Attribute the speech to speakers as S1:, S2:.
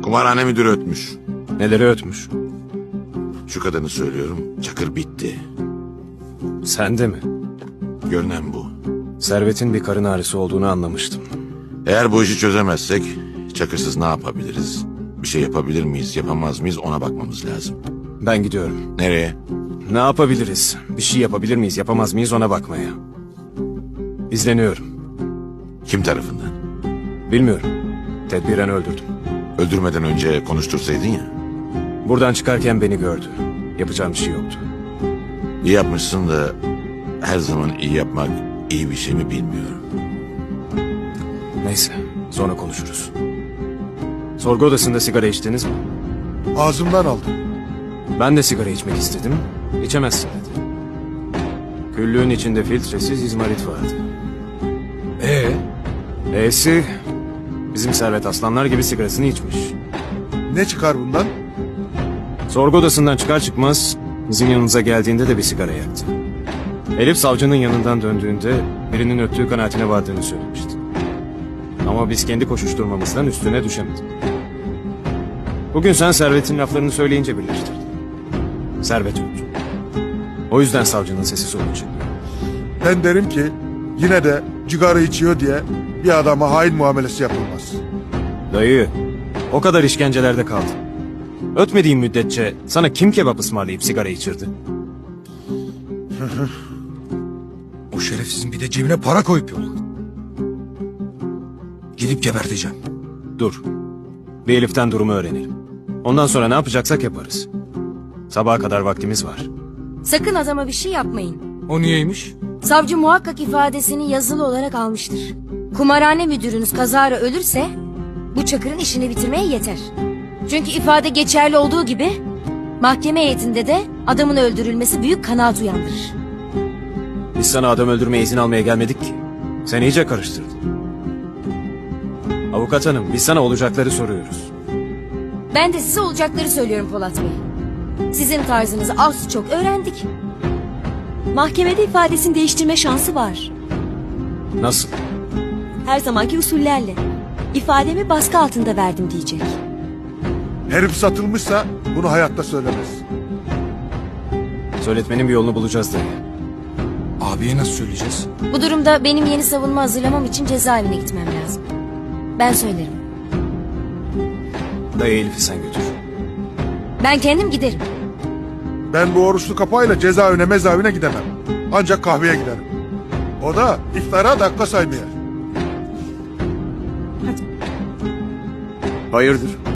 S1: Kumarhane müdürü ötmüş.
S2: Neleri ötmüş?
S1: Şu kadarını söylüyorum. Çakır bitti.
S2: Sen de mi?
S1: Görünen bu.
S2: Servet'in bir karın ağrısı olduğunu anlamıştım.
S1: Eğer bu işi çözemezsek Çakırsız ne yapabiliriz? Bir şey yapabilir miyiz, yapamaz mıyız ona bakmamız lazım.
S2: Ben gidiyorum.
S1: Nereye?
S2: Ne yapabiliriz? Bir şey yapabilir miyiz, yapamaz mıyız ona bakmaya. İzleniyorum.
S1: Kim tarafından?
S2: Bilmiyorum. Tedbiren öldürdüm.
S1: Öldürmeden önce konuştursaydın ya.
S2: Buradan çıkarken beni gördü. Yapacağım bir şey yoktu.
S1: İyi yapmışsın da her zaman iyi yapmak iyi bir şey mi bilmiyorum.
S2: Neyse, sonra konuşuruz. Sorgu odasında sigara içtiniz mi?
S3: Ağzımdan aldım.
S2: Ben de sigara içmek istedim. İçemezsin dedi. Küllüğün içinde filtresiz izmarit vardı. E'si bizim Servet aslanlar gibi sigarasını içmiş.
S3: Ne çıkar bundan?
S2: Sorgu odasından çıkar çıkmaz bizim yanımıza geldiğinde de bir sigara yaktı. Elif savcının yanından döndüğünde birinin öttüğü kanaatine vardığını söylemişti. Ama biz kendi koşuşturmamızdan üstüne düşemedik. Bugün sen Servet'in laflarını söyleyince birleştirdin. Servet öldü. O yüzden savcının sesi soluğu çıktı.
S3: Ben derim ki yine de cigara içiyor diye bir adama hain muamelesi yapılmaz.
S2: Dayı, o kadar işkencelerde kaldın. Ötmediğin müddetçe sana kim kebap ısmarlayıp sigara içirdi?
S4: O şerefsizin bir de cebine para koyup yolladı. Gidip geberteceğim.
S2: Dur. Bir Elif'ten durumu öğrenelim. Ondan sonra ne yapacaksak yaparız. Sabaha kadar vaktimiz var.
S5: Sakın adama bir şey yapmayın.
S4: O niyeymiş?
S5: Savcı muhakkak ifadesini yazılı olarak almıştır. Kumarhane müdürünüz kazara ölürse bu Çakır'ın işini bitirmeye yeter. Çünkü ifade geçerli olduğu gibi mahkeme heyetinde de adamın öldürülmesi büyük kanaat uyandırır.
S2: Biz sana adam öldürmeye izin almaya gelmedik ki. Sen iyice karıştırdın. Avukat hanım, biz sana olacakları soruyoruz.
S5: Ben de size olacakları söylüyorum Polat Bey. Sizin tarzınızı az çok öğrendik.
S6: Mahkemede ifadesini değiştirme şansı var.
S2: Nasıl?
S6: Her zamanki usullerle. İfademi baskı altında verdim diyecek.
S3: Herif satılmışsa bunu hayatta söylemez.
S2: Söyletmenin bir yolunu bulacağız dayı.
S4: Abiye nasıl söyleyeceğiz?
S5: Bu durumda benim yeni savunma hazırlamam için cezaevine gitmem lazım. Ben söylerim.
S2: Dayı Elif'i sen götür.
S5: Ben kendim giderim.
S3: Ben bu oruçlu kapayla cezaevine mezavine gidemem. Ancak kahveye giderim. O da iftara dakika saymaya.
S2: Hayırdır?